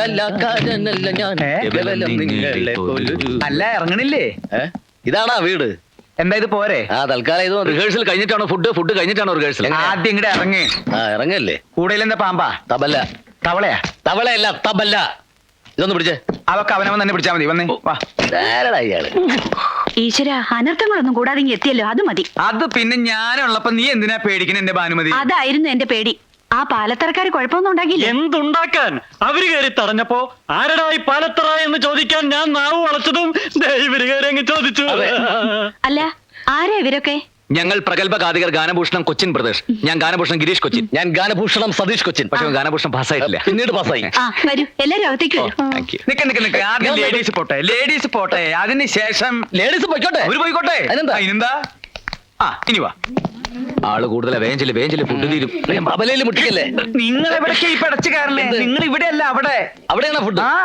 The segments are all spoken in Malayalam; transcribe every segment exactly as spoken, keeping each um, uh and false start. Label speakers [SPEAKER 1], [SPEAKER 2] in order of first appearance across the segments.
[SPEAKER 1] കലാകാരനല്ല ഞാൻ, കേവലം നിങ്ങളെ പോലൊരു.
[SPEAKER 2] അല്ല ഇറങ്ങണില്ലേ?
[SPEAKER 1] ഇതാണാ വീട്?
[SPEAKER 2] എന്താ ഇത് പോരെ?
[SPEAKER 1] ആ തൽക്കാലം ഇത് റിഹേഴ്സൽ കഴിഞ്ഞിട്ടാണോ ഫുഡ് ഫുഡ് കഴിഞ്ഞിട്ടാണോ റിഹേഴ്സൽ?
[SPEAKER 2] ആദ്യം ഇങ്ങടെ ഇറങ്ങി.
[SPEAKER 1] ആ ഇറങ്ങല്ലേ.
[SPEAKER 2] കൂടുതൽ എന്താ പാമ്പാ?
[SPEAKER 1] തബല.
[SPEAKER 2] തവളയാ?
[SPEAKER 1] തവളയല്ല തബല. ഇതൊന്ന് പിടിച്ചേ.
[SPEAKER 2] അതൊക്കെ അവനവൻ തന്നെ പിടിച്ചാ മതി. വന്നേ വാ.
[SPEAKER 1] ഇയാള്
[SPEAKER 3] ഈശ്വര, അനർത്ഥങ്ങളൊന്നും കൂടാതെ എത്തിയല്ലോ, അത് മതി.
[SPEAKER 2] അത് പിന്നെ ഞാനുള്ളപ്പോ നീ എന്തിനാ പേടിക്കണ എന്റെ ഭാനുമതി?
[SPEAKER 3] അതായിരുന്നു എന്റെ പേടി. ആ പാലത്തറക്കാര് കുഴപ്പമൊന്നും ഉണ്ടാക്കില്ല.
[SPEAKER 4] എന്തുണ്ടാക്കാൻ? അവര് കയറി തടഞ്ഞപ്പോ ആരടാ ഈ പാലത്തറ എന്ന് ചോദിക്കാൻ ഞാൻ നാവ് വളച്ചതും ഇവര് കയറി അങ്ങ് ചോദിച്ചു.
[SPEAKER 3] അല്ല, ആരാ ഇവരൊക്കെ?
[SPEAKER 1] ഞങ്ങൾ പ്രഗത്ഭ ഗാതികർ ഗാനഭൂഷണം കൊച്ചിൻ പ്രദേശ്. ഞാൻ ഗാനഭൂഷണം ഗിരീഷ് കൊച്ചിൻ. ഞാൻ ഗാനഭൂഷണം സതീഷ് കൊച്ചിൻ. പക്ഷെ ഗാനഭൂഷണം പാസ്സായിട്ടില്ല, പിന്നീട് പാസ്സായി.
[SPEAKER 3] ആ വരൂ, എല്ലാരും അകത്തേക്ക് വരൂ.
[SPEAKER 2] നിക്ക നിക്ക നിക്ക ആദ്യം ലേഡീസ് പോട്ടെ, ലേഡീസ് പോട്ടെ, അതിന് ശേഷം
[SPEAKER 1] ലേഡീസ് പോയിക്കോട്ടെ.
[SPEAKER 2] അവര് പോയിക്കോട്ടെ. അതിനെന്താ? ആ ഇനി വാ.
[SPEAKER 1] ആള് കൂടുതലാ. വേഞ്ചില് വേഞ്ചില് ഫുഡ് തീരും. ബബലയില് മുട്ടിക്കല്ലേ?
[SPEAKER 2] നിങ്ങൾ എവിടേക്ക് ഈ പടച്ചു കയറല്ലേ? നിങ്ങൾ ഇവിടെ അല്ല, അവിടെ.
[SPEAKER 1] അവിടെയാണ് ഫുഡ്.
[SPEAKER 2] ആ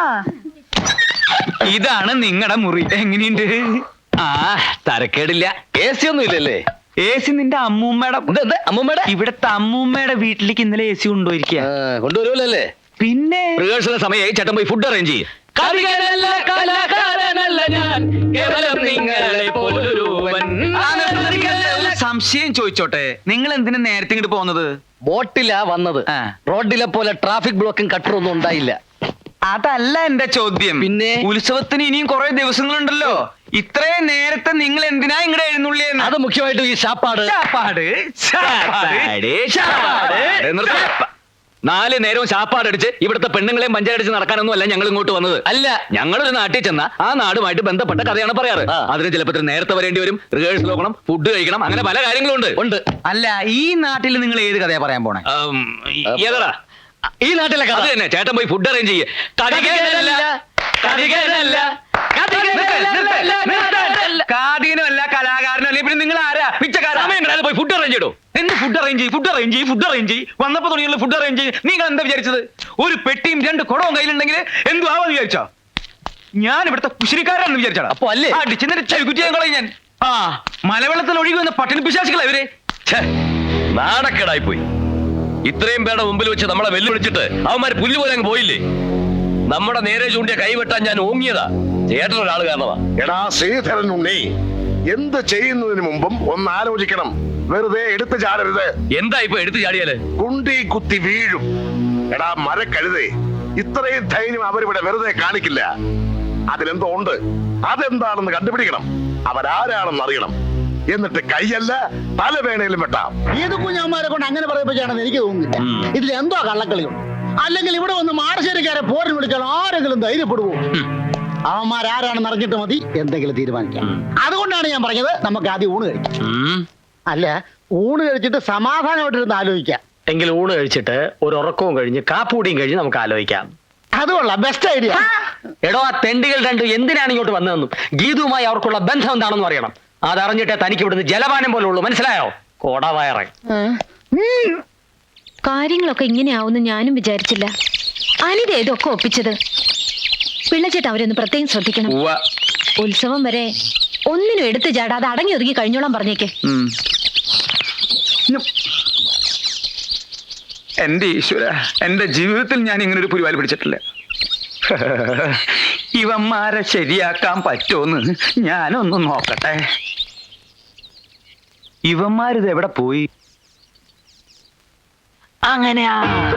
[SPEAKER 2] ഇതാണ് നിങ്ങളുടെ മുറി. എങ്ങനെയുണ്ട്?
[SPEAKER 1] ആ തരക്കേടില്ല. എ സി ഒന്നും ഇല്ലല്ലേ?
[SPEAKER 2] എ സി നിന്റെ അമ്മൂമ്മയുടെ
[SPEAKER 1] അമ്മൂമ്മയുടെ
[SPEAKER 2] ഇവിടത്തെ അമ്മൂമ്മയുടെ വീട്ടിലേക്ക് ഇന്നലെ എ സി കൊണ്ടുപോയിരിക്കുക.
[SPEAKER 1] കൊണ്ടുവരുമല്ലേ?
[SPEAKER 2] പിന്നെ
[SPEAKER 1] റിഹേഴ്സൽ സമയമായി. ചേട്ടൻ പോയി ഫുഡ് അറേഞ്ച് ചെയ്യും.
[SPEAKER 2] സംശയം ചോദിച്ചോട്ടെ, നിങ്ങൾ എന്തിനാ നേരത്തെ ഇങ്ങോട്ട് പോകുന്നത്?
[SPEAKER 1] ബോട്ടിലാ വന്നത്. റോഡിലെ പോലെ ട്രാഫിക് ബ്ലോക്കും കട്ടറൊന്നും ഉണ്ടായില്ല.
[SPEAKER 2] അതല്ല എന്റെ ചോദ്യം.
[SPEAKER 1] പിന്നെ
[SPEAKER 2] ഉത്സവത്തിന് ഇനിയും കുറെ ദിവസങ്ങളുണ്ടല്ലോ. ഇത്രയും നേരത്തെ നിങ്ങൾ എന്തിനാ ഇങ്ങടെ എഴുന്നള്ളിയെന്ന്?
[SPEAKER 1] അത് മുഖ്യമായിട്ടും ഈ ശാപ്പാട്.
[SPEAKER 2] ശാപ്പാട്
[SPEAKER 1] നാല് നേരവും ശാപ്പാടടിച്ച് ഇവിടുത്തെ പെണ്ണുങ്ങളെയും പഞ്ചായടിച്ച് നടക്കാനൊന്നും അല്ല ഞങ്ങൾ ഇങ്ങോട്ട് വന്നത്. അല്ല, ഞങ്ങളൊരു നാട്ടിൽ ചെന്ന ആ നാടുമായിട്ട് ബന്ധപ്പെട്ട കഥയാണ് പറയാറ്. അതിന് ചിലപ്പോൾ നേരത്തെ വരേണ്ടി വരും, റിഹേഴ്സൽ നോക്കണം, ഫുഡ് കഴിക്കണം, അങ്ങനെ പല കാര്യങ്ങളും ഉണ്ട്. ഉണ്ട്.
[SPEAKER 2] അല്ല, ഈ നാട്ടിൽ നിങ്ങൾ ഏത് കഥയാ പറയാൻ പോണേ?
[SPEAKER 1] ഏതാ ഈ നാട്ടിലെ കഥ തന്നെ. ചേട്ടൻ പോയി ഫുഡ് അറേഞ്ച് ചെയ്യേ.
[SPEAKER 2] കാതീനല്ല, കലാകാരനല്ല, പിന്നെ നിങ്ങൾ ആരാ? പിച്ചക്കാരൻ.
[SPEAKER 1] പോയി ഫുഡ് അറേഞ്ച് ചെയ്തോ.
[SPEAKER 2] എന്ത് ഫുഡ് അറേഞ്ച് ചെയ്യും? ഫുഡ് അറേഞ്ച് ചെയ്യും ഫുഡ് അറേഞ്ച് ചെയ്യും വന്നപ്പോ തുടങ്ങിയുള്ള ഫുഡ് അറേഞ്ച് ചെയ്യും. നിങ്ങൾ എന്താ വിചാരിച്ചത്? ഒരു പെട്ടിയും രണ്ട് കുടവും കയ്യിലുണ്ടെങ്കിൽ എന്തു ആവാന്ന് വിചാരിച്ചോ? ഞാൻ ഇവിടുത്തെ കുശിരിക്കാരാണെന്ന് വിചാരിച്ചാ?
[SPEAKER 1] അപ്പൊ അല്ലേ
[SPEAKER 2] അടിച്ചെന്നിട്ട് ചവിക്കുറ്റിയാൻ കളയും ഞാൻ. ആ മലവെള്ളത്തിൽ ഒഴുകി വന്ന പട്ടിണി പിശാചികളാ ഇവര്.
[SPEAKER 5] നാണക്കേടായി പോയി. ഇത്രയും പേരുടെ മുമ്പിൽ വെച്ച് നമ്മളെ വെല്ലുവിളിച്ചിട്ട് അവന്മാര് പുല്ല് പോലെ അങ്ങ് പോയില്ലേ? നമ്മുടെ നേരെ ചൂണ്ടിയ കൈവെട്ടാൻ ഞാൻ ഓങ്ങിയതാ ചേട്ടനൊരാള് കാരണമാ.
[SPEAKER 6] എടാ ശ്രീധരൻ ഉണ്ണി, എന്ത് ചെയ്യുന്നതിന് മുമ്പും ഒന്ന് ആലോചിക്കണം. വെറുതെ എടുത്തു ചാടരുത്.
[SPEAKER 5] എന്താ ഇപ്പൊ എടുത്തു ചാടിയാല്?
[SPEAKER 6] കുണ്ടി കുത്തി വീഴും. എടാ മരക്കഴുതേ, ഇത്രയും ധൈര്യം അവരിവിടെ വെറുതെ കാണിക്കില്ല. അതിലെന്തോ ഉണ്ട്. അതെന്താണെന്ന് കണ്ടുപിടിക്കണം. അവരാരാണെന്ന് അറിയണം. എന്നിട്ട് കൈയല്ല തല വേണേലും വെട്ടാം.
[SPEAKER 7] ഏത് കുഞ്ഞന്മാരെ കൊണ്ട് അങ്ങനെ പറയിപ്പിച്ചാണെന്ന് എനിക്ക് തോന്നുന്നില്ല. ഇതിൽ എന്തോ കള്ളക്കളിയുണ്ട്. അല്ലെങ്കിൽ ഇവിടെ വന്ന് മാടശ്ശേരിക്കാരെ പോരിന് വിളിക്കാൻ ആരെങ്കിലും ധൈര്യപ്പെടുവോ? അവന്മാരാരാണെന്ന് അറിഞ്ഞിട്ട് മതി എന്തെങ്കിലും തീരുമാനിക്കാം. അതുകൊണ്ടാണ് ഞാൻ പറഞ്ഞത് നമുക്ക് ആദ്യം ഊണ് കഴിക്കാം. അല്ല, ഊണ് കഴിച്ചിട്ട് സമാധാനമായിട്ടിരുന്ന് ആലോചിക്കാം.
[SPEAKER 4] എങ്കിൽ ഊണ് കഴിച്ചിട്ട് ഒരു ഉറക്കവും കഴിഞ്ഞ് കാപ്പൂടിയും കഴിഞ്ഞ് നമുക്ക് ആലോചിക്കാം.
[SPEAKER 7] അതുകൊള്ളാം, ബെസ്റ്റ് ഐഡിയ.
[SPEAKER 4] എടോ, ആ തെണ്ടികൾ രണ്ടും എന്തിനാണ് ഇങ്ങോട്ട് വന്നതെന്നും ഗീതുവുമായി അവർക്കുള്ള ബന്ധം എന്താണെന്നും അറിയണം. അതറിഞ്ഞിട്ടേ തനിക്ക് ഇവിടുന്ന് ജലപാനം പോലെ ഉള്ളൂ. മനസ്സിലായോ? കോടവയറേ.
[SPEAKER 3] കാര്യങ്ങളൊക്കെ ഇങ്ങനെയാവുമെന്ന് ഞാനും വിചാരിച്ചില്ല. അനിത ഇതൊക്കെ ഒപ്പിച്ചത്. പിള്ളച്ചേട്ട അവരൊന്ന് പ്രത്യേകം ശ്രദ്ധിക്കണം. ഉത്സവം വരെ ഒന്നിനും എടുത്തു ചാടാതെ അടങ്ങി ഒതുങ്ങി കഴിഞ്ഞോളാൻ പറഞ്ഞേക്ക്.
[SPEAKER 2] എന്റെ ഈശ്വര, എന്റെ ജീവിതത്തിൽ ഞാൻ ഇങ്ങനെ ഒരു പുരിവാലി പിടിച്ചിട്ടില്ല. ഇവന്മാരെ ശരിയാക്കാൻ പറ്റുമെന്ന് ഞാനൊന്ന് നോക്കട്ടെ. ഇവന്മാരിത് എവിടെ പോയി? അങ്ങനെയാ.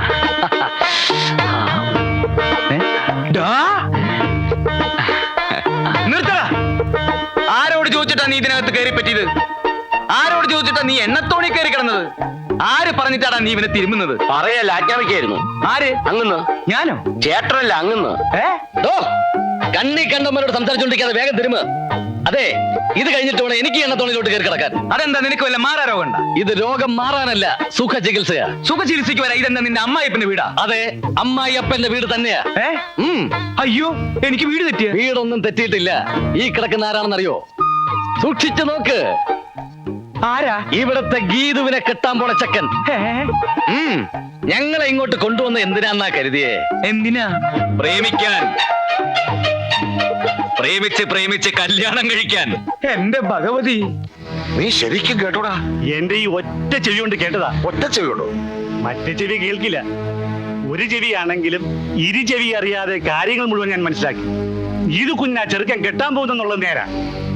[SPEAKER 2] നിർത്തടാ. ആരോട് ചോദിച്ചിട്ടാ നീ ഇതിനകത്ത് കയറി പറ്റിയത്? ആരോട് ചോദിച്ചിട്ടാ നീ എണ്ണത്തോണി കയറി കിടന്നത്? ആര് പറഞ്ഞിട്ടാടാ നീ ഇവനെ തിരുമുന്നത്?
[SPEAKER 5] പറയല്ല, ആജ്ഞാപിക്കായിരുന്നു.
[SPEAKER 2] ആര്?
[SPEAKER 5] അങ്ങന്ന്.
[SPEAKER 2] ഞാനോ?
[SPEAKER 5] ചേട്ടനല്ല, അങ്ങന്ന്.
[SPEAKER 2] ഏ
[SPEAKER 1] കണ്ണി കണ്ടവരോട് സംസാരിച്ചോണ്ടിരിക്കാതെ വേഗം തിരുമ. അതെ, ഇത് കഴിഞ്ഞിട്ട് വേണം എനിക്ക് എണ്ണത്തോണിലോട്ട് കയറി കിടക്കാൻ.
[SPEAKER 2] അതെന്താ, നിനക്ക് വല്ല മാറാ രോഗം?
[SPEAKER 1] ഇത് രോഗം മാറാനല്ല, സുഖ ചികിത്സയാ.
[SPEAKER 2] സുഖ ചികിത്സയ്ക്ക് വരാ. ഇതെന്താ നിന്റെ അമ്മായിപ്പന്റെ വീടാ?
[SPEAKER 1] അതെ, അമ്മായിയപ്പന്റെ വീട് തന്നെയാ.
[SPEAKER 2] ഏ അയ്യോ, എനിക്ക് വീട് തെറ്റിയ?
[SPEAKER 1] വീടൊന്നും തെറ്റിയിട്ടില്ല. ഈ കിടക്കുന്ന ആരാണെന്നറിയോ? സൂക്ഷിച്ചു നോക്ക്.
[SPEAKER 2] ആരാ?
[SPEAKER 1] ഇവിടത്തെ ഗീതുവിനെ കെട്ടാൻ പോണ ചക്കൻ. ഞങ്ങളെ ഇങ്ങോട്ട് കൊണ്ടുവന്ന് എന്തിനാന്നാ കരുതിയേ?
[SPEAKER 2] എന്തിനാ?
[SPEAKER 1] പ്രേമിക്കാൻ. പ്രേമിച്ച് പ്രേമിച്ച് കല്യാണം കഴിക്കാൻ.
[SPEAKER 2] എന്റെ ഭഗവതി,
[SPEAKER 6] നീ ശരിക്കും കേട്ടോടാ?
[SPEAKER 4] എന്റെ ഈ ഒറ്റ ചെവി കൊണ്ട് കേട്ടതാ.
[SPEAKER 6] ഒറ്റ ചെവിയുണ്ടോ?
[SPEAKER 4] മറ്റേ ചെവി കേൾക്കില്ല.
[SPEAKER 8] ഒരു ചെവിയാണെങ്കിലും ഇരു ചെവി അറിയാതെ കാര്യങ്ങൾ മുഴുവൻ ഞാൻ മനസ്സിലാക്കി. ഇത് കുഞ്ഞാ ചെറുക്കൻ കെട്ടാൻ പോകുന്നെന്നുള്ളത് നേരാ.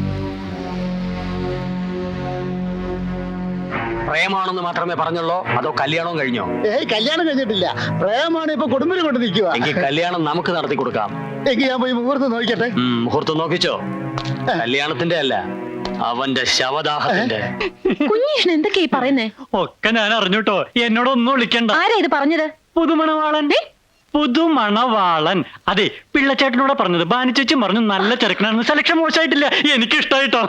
[SPEAKER 4] പ്രേമാണെന്ന് മാത്രമേ പറഞ്ഞുള്ളൂ, അതോ കല്യാണവും കഴിഞ്ഞോ?
[SPEAKER 7] ഏയ് കല്യാണം കഴിഞ്ഞിട്ടില്ല, പ്രേമാണ് ഇപ്പൊ കുടുംബിനെ കൊണ്ട് നിൽക്കുക.
[SPEAKER 4] എങ്കിൽ കല്യാണം നമുക്ക് നടത്തി കൊടുക്കാം.
[SPEAKER 7] എങ്കിൽ ഞാൻ പോയി മുഹൂർത്തം നോക്കിട്ടെ.
[SPEAKER 4] ഉം, മുഹൂർത്തം നോക്കിച്ചോ? കല്യാണത്തിന്റെ അല്ല, അവന്റെ ശവദാഹത്തിന്റെ.
[SPEAKER 3] കുഞ്ഞീഷ്ണൻ എന്തൊക്കെയാ ഈ പറയുന്നേ?
[SPEAKER 8] ഒക്കെ ഞാൻ അറിഞ്ഞൂട്ടോ, എന്നോടൊന്നും വിളിക്കണ്ട.
[SPEAKER 3] ആരാ ഇത് പറഞ്ഞത്?
[SPEAKER 8] പുതുമണവാളൻ. പുതുമണവാളൻ. അതെ, പിള്ളച്ചേട്ടനോട് പറഞ്ഞത്. ബാനിച്ചേച്ചി പറഞ്ഞു നല്ല ചെറുക്കനാണെന്ന്. സെലക്ഷൻ മോശമായിട്ടില്ല, എനിക്ക് ഇഷ്ടായിട്ടോ.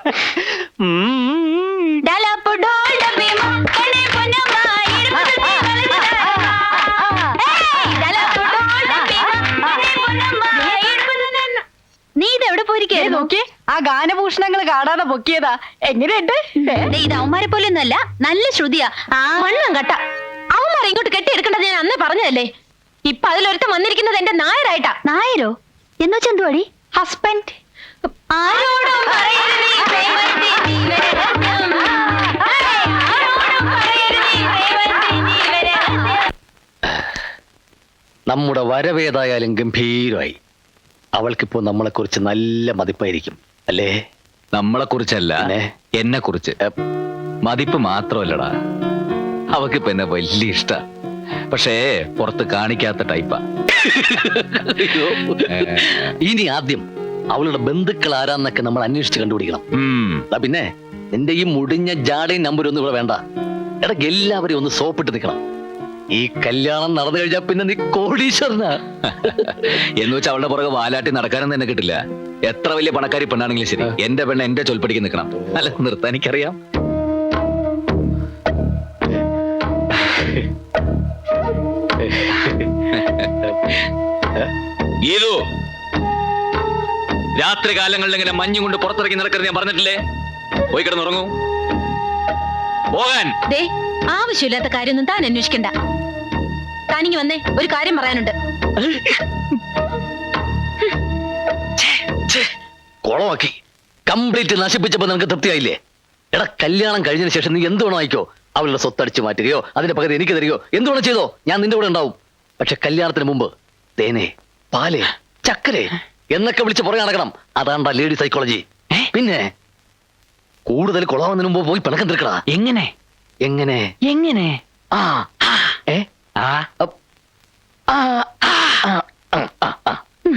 [SPEAKER 3] നീ ഇത് എവിടെ പോയിരിക്കേ?
[SPEAKER 9] നോക്കി, ആ ഗാനഭൂഷണങ്ങൾ കാണാതെ പൊക്കിയതാ. എങ്ങനെയുണ്ട്?
[SPEAKER 3] ഇത് അവന്മാരെ പോലെ ഒന്നല്ല, നല്ല ശ്രുതിയാ. മണ്ണും കട്ട. അവന്മാരെ ഇങ്ങോട്ട് കെട്ടിയെടുക്കേണ്ടത് ഞാൻ അന്നേ പറഞ്ഞതല്ലേ. ഇപ്പൊ അതിലൊരുത്തം വന്നിരിക്കുന്നത് എന്റെ നായരായിട്ടാ. നായരോ എന്ന് വെച്ചാ എന്തുവാടി? ഹസ്ബൻഡ്. ആരോടും പറയരുത് ഈ പ്രേമത്തിൽ ജീവരഹസ്യം. ആരോടും പറയരുത് ഈ പ്രേമത്തിൽ ജീവരഹസ്യം.
[SPEAKER 1] നമ്മുടെ വരവേതായാലും ഗംഭീരമായി. അവൾക്കിപ്പോ നമ്മളെ കുറിച്ച് നല്ല മതിപ്പായിരിക്കും അല്ലേ? നമ്മളെ കുറിച്ചല്ല, എന്നെ കുറിച്ച്. മതിപ്പ് മാത്രമല്ലടാ, അവക്കിപ്പോ എന്നെ വലിയ ഇഷ്ട. പക്ഷേ പുറത്ത് കാണിക്കാത്ത ടൈപ്പാ. ഇനി ആദ്യം അവളുടെ ബന്ധുക്കൾ ആരാന്നൊക്കെ നമ്മൾ അന്വേഷിച്ച് കണ്ടുപിടിക്കണം. പിന്നെ എന്റെ ഈ മുടിഞ്ഞ ജാടയും നമ്പർ ഒന്നും ഇവിടെ വേണ്ട. ഇടയ്ക്ക് എല്ലാവരെയും ഒന്ന് സോപ്പിട്ട് നിൽക്കണം. ഈ കല്യാണം നടന്നു കഴിഞ്ഞാൽ പിന്നെ നീ കോടീശ്വരനാ. എന്ന് വെച്ചാൽ അവളുടെ പുറകെ വാലാട്ടി നടക്കാനും തന്നെ കിട്ടില്ല. എത്ര വലിയ പണക്കാരി പെണ്ണാണെങ്കിലും ശരി, എന്റെ പെണ്ണ് എന്റെ ചൊൽപ്പടിക്ക് നിൽക്കണം. അല്ല, നിർത്താൻ എനിക്കറിയാം. ഗീതു, രാത്രി കാലങ്ങളിൽ ഇങ്ങനെ മഞ്ഞും കൊണ്ട് പുറത്തിറങ്ങി നടക്കരുത് ഞാൻ പറഞ്ഞിട്ടില്ലേ? പോയി കിടന്നുറങ്ങൂ. പോകാൻ.
[SPEAKER 3] ദേ, ആവശ്യമില്ലാത്ത കാര്യമൊന്നും താൻ അന്വേഷിക്കണ്ട. താനിങ്ങി വന്നേ, ഒരു കാര്യം പറയാനുണ്ട്.
[SPEAKER 1] കുളമാക്കി കംപ്ലീറ്റ് നശിപ്പിച്ചപ്പോ നിനക്ക് തൃപ്തിയായില്ലേ? എടാ, കല്യാണം കഴിഞ്ഞതിന് ശേഷം നീ എന്തുവേണോ ആയിക്കോ. അവളുടെ സ്വത്തടിച്ചു മാറ്റുകയോ അതിന്റെ പകരം എനിക്ക് തരികയോ എന്തുവേണോ ചെയ്തോ, ഞാൻ നിന്റെ കൂടെ ഉണ്ടാവും. പക്ഷെ കല്യാണത്തിന് മുമ്പ് തേനെ, പാല്, ചക്കരെ എന്നൊക്കെ വിളിച്ച് പുറകെ നടക്കണം. അതാണ്ടാ ലേഡി സൈക്കോളജി. പിന്നെ കൂടുതൽ കുളമാവുന്നതിന് മുമ്പ് പോയി പിണക്കം തീർക്കടാ. എങ്ങനെ എങ്ങനെ എങ്ങനെ ആ ഏ ആ ആ ആ ആ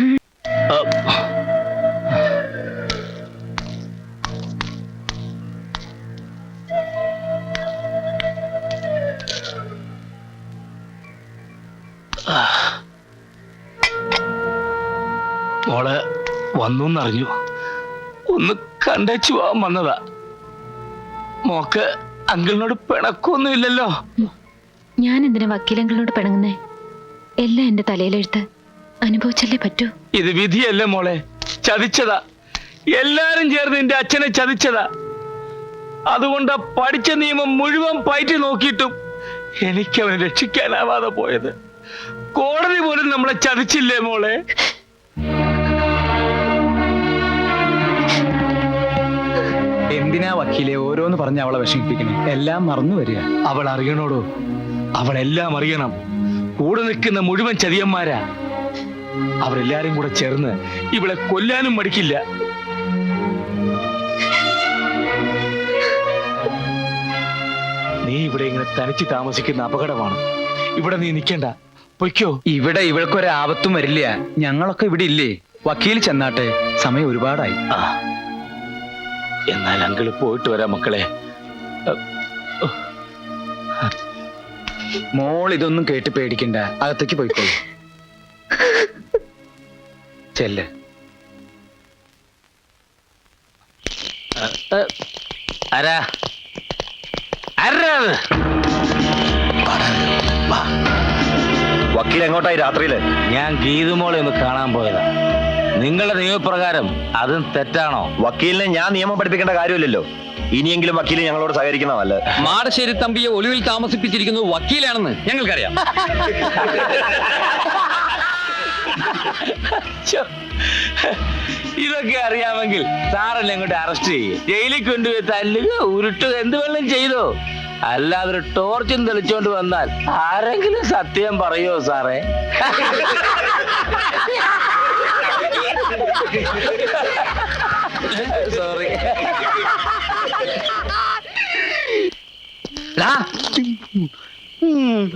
[SPEAKER 2] മോള് വന്നു എന്നറിഞ്ഞു, ഒന്ന് കണ്ടേച്ചു പോവാൻ വന്നതാ. മോക്ക് അങ്കിളിനോട് പിണക്കൊന്നും ഇല്ലല്ലോ?
[SPEAKER 3] ഞാൻ എന്തിനാ വക്കീലങ്ങളോട് പിണങ്ങുന്നേ? എല്ലാം എന്റെ തലയിലെഴുത്ത്. അനുഭവിച്ചല്ലേ പറ്റൂ.
[SPEAKER 2] ഇത് വിധിയല്ലേ മോളെ, ചതിച്ചതാ. എല്ലാരും ചേർന്ന് നിന്റെ അച്ഛനെ ചതിച്ചതാ. അതുകൊണ്ട് പഠിച്ച നിയമം മുഴുവൻ പയറ്റി നോക്കിയിട്ടും എനിക്ക് അവനെ രക്ഷിക്കാനാവാതെ പോയത്. കോടതി പോലും നമ്മളെ ചതിച്ചില്ലേ മോളെ?
[SPEAKER 10] എന്തിനാ വക്കീലെ ഓരോന്ന് പറഞ്ഞ് അവളെ വിഷമിപ്പിക്കണേ? എല്ലാം മറന്നു വരിക.
[SPEAKER 2] അവൾ അറിയണോടോ, അവളെല്ലാം അറിയണം. കൂടെ നിൽക്കുന്ന മുഴുവൻ ചതിയന്മാരാ. അവരെല്ലാരും കൂടെ ചേർന്ന് ഇവളെ കൊല്ലാനും മടിക്കില്ല. നീ ഇവിടെ ഇങ്ങനെ തനിച്ച് താമസിക്കുന്ന അപകടമാണ്. ഇവിടെ നീ നിൽക്കണ്ട, പൊയ്ക്കോ.
[SPEAKER 10] ഇവിടെ ഇവൾക്കൊരു ആപത്തും വരില്ല. ഞങ്ങളൊക്കെ ഇവിടെ ഇല്ലേ? വക്കീൽ ചെന്നാട്ടെ, സമയം ഒരുപാടായി.
[SPEAKER 2] എന്നാൽ അങ്കിള് പോയിട്ട് വരാം മക്കളെ.
[SPEAKER 10] മോൾ ഇതൊന്നും കേട്ട് പേടിക്കണ്ട, അകത്തേക്ക് പോയിക്കോളൂ. ചെല്ല്.
[SPEAKER 1] ആരാ ആരാ
[SPEAKER 5] വക്കീൽ എങ്ങോട്ടായി രാത്രിയില്?
[SPEAKER 2] ഞാൻ ഗീതുമോളെ ഒന്ന് കാണാൻ പോയതാ. നിങ്ങളുടെ നിയമപ്രകാരം അതും തെറ്റാണോ?
[SPEAKER 5] വക്കീലിനെ ഞാൻ നിയമം പഠിപ്പിക്കേണ്ട കാര്യമില്ലല്ലോ. ഇനിയെങ്കിലും വക്കീൽ ഞങ്ങളോട് സഹകരിക്കുന്ന നല്ലത്.
[SPEAKER 1] മാടശ്ശേരി തമ്പിയെ ഒളിവിൽ താമസിപ്പിച്ചിരിക്കുന്നത് വക്കീലാണെന്ന് ഞങ്ങൾക്കറിയാം.
[SPEAKER 2] ഇതൊക്കെ അറിയാമെങ്കിൽ സാറല്ലേ ഇങ്ങോട്ട് അറസ്റ്റ് ചെയ്യും, ജയിലിൽ കൊണ്ടുപോയി തല്ലുക, ഉരുട്ടുക, എന്ത് വെള്ളം ചെയ്തോ. അല്ലാതെ ഒരു ടോർച്ചും തെളിച്ചോണ്ട് വന്നാൽ ആരെങ്കിലും സത്യം പറയോ സാറേ? സോറി.